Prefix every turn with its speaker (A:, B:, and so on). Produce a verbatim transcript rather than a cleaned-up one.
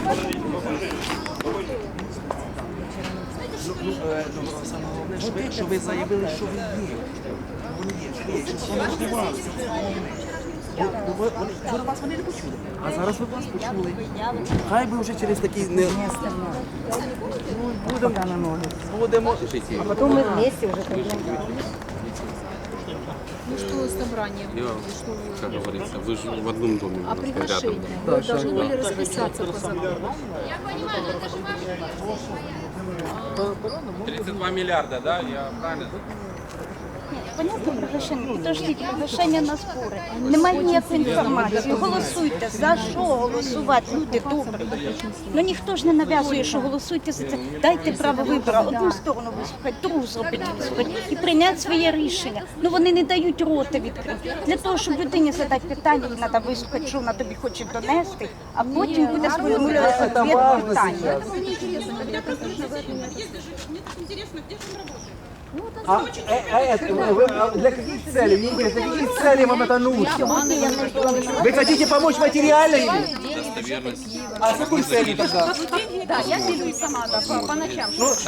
A: Ну, е, ну, саме головне, що ви, що ви заявили, що ви є. Вони є, що ви є. Що вони ж не вас. Бо- бо ви- вони- Вчора вас вони не почули, а зараз ви вас почули. Хай би вже через такі не... Ну, будемо, будемо жити.
B: Потом мы вместе уже пойдем.
C: Ну что с собранием?
D: Я,
C: Что вы-
D: как говорится, вы же в одном доме
C: А
D: у нас рядом.
C: приглашение? Вы должны были расписаться по закону.
D: тридцать два миллиарда, да? Я правильно?
B: Понятно, приглашення? Підождіть, приглашення на збори. Немає ніякої інформації. Голосуйте. За що голосувати? Люди добрі. Ну ніхто ж не нав'язує, що голосуйте за це. Дайте право вибору. Одну сторону вислухати, другу зробити вислухати і прийняти своє рішення. Ну вони не дають рота відкрити. Для того, щоб людині задати питання, їй треба вислухати, що вона тобі хоче донести, а потім буде сформулювати відповідь питання.
A: А, э, а, это, вы, а для каких целей? Мне интересно, для каких целей вам это нужно? Вы хотите помочь материально или?
D: Достоверность.
A: А с какой целью тогда?
C: Да, я делюсь сама да, по, по ночам.
A: Ну,